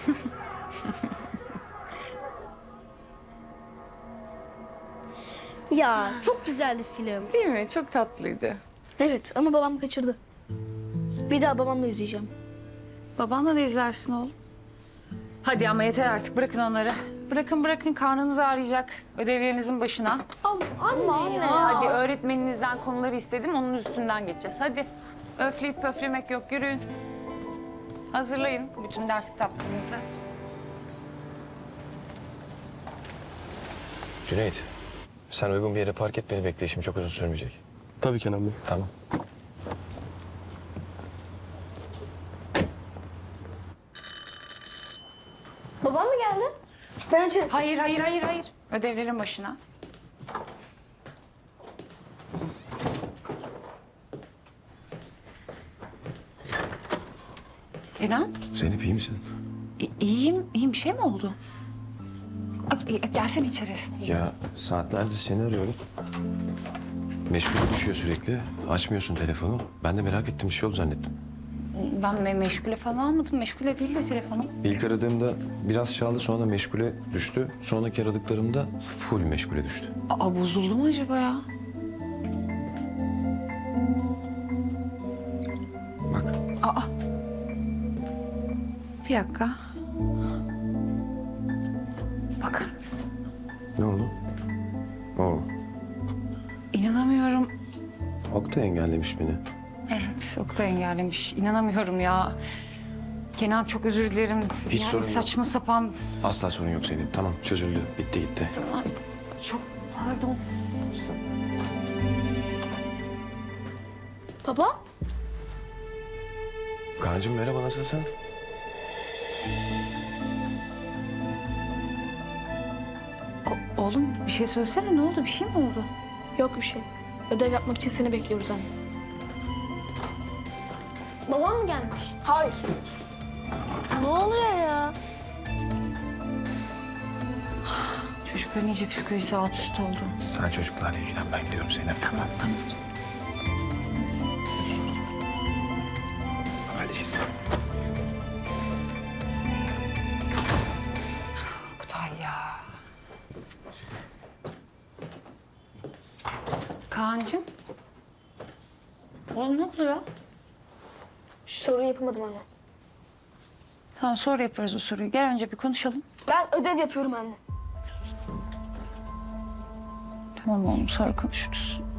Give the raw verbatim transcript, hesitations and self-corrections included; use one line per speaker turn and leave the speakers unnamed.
Ya çok güzeldi film.
Değil mi? Çok tatlıydı.
Evet ama babam kaçırdı. Bir daha babamla izleyeceğim.
Babanla da izlersin oğlum. Hadi ama yeter artık. Bırakın onları. Bırakın bırakın. Karnınız ağrıyacak. Ödevlerinizin başına.
Anne anne
Hadi öğretmeninizden konuları istedim. Onun üstünden geçeceğiz. Hadi. Öfleyip pöflemek yok. Yürüyün. Hazırlayın bütün ders kitaplarınızı.
Cüneyt, sen uygun bir yere park et, beni bekle. İşim çok uzun sürmeyecek.
Tabii Kenan Bey.
Tamam.
Babam mı geldi? Ben içeri...
Hayır, hayır, hayır, hayır. Ödevlerin başına. İnan.
Zeynep iyi misin?
İ- İyiyim, iyiyim. Bir şey mi oldu? Ay, e, Gelsene içeri.
Ya saatlerdir seni arıyorum. Meşgule düşüyor sürekli. Açmıyorsun telefonu. Ben de merak ettim, bir şey oldu zannettim.
Ben me meşgule falan almadım. Meşgule değil de telefonum.
İlk aradığımda biraz çaldı, sonra meşgule düştü. Sonraki aradıklarımda full meşgule düştü.
Aa, bozuldu mu acaba ya?
Bak,
Aa. Bir dakika. Bakar mısın?
ne oldu? Oo,
İnanamıyorum.
Oktay engellemiş beni.
Evet, çok da engellemiş. İnanamıyorum ya. Kenan çok özür dilerim.
Hiç
yani
sorun yok.
saçma sapan.
Asla sorun yok Zeynep. Tamam, çözüldü. Bitti gitti.
Ay, çok pardon.
Baba?
Kaan'cığım merhaba, nasılsın?
O- oğlum bir şey söylesene. Ne oldu? Bir şey mi oldu?
Yok bir şey. Ödev yapmak için seni bekliyoruz anne. Babam mı gelmiş? Hayır. Ne oluyor ya?
Çocukların iyice psikolojisi alt üst oldu.
Sen çocuklarla ilgilen, ben gidiyorum Zeynep.
Tamam, tamam.
Hadi.
Oktay ya. Kaan'cığım. Oğlum ne oluyor?
Şu soruyu yapamadım anne.
Tamam, sonra yaparız o soruyu. Gel önce bir konuşalım.
Ben ödev yapıyorum anne.
Tamam oğlum, sonra konuşuruz.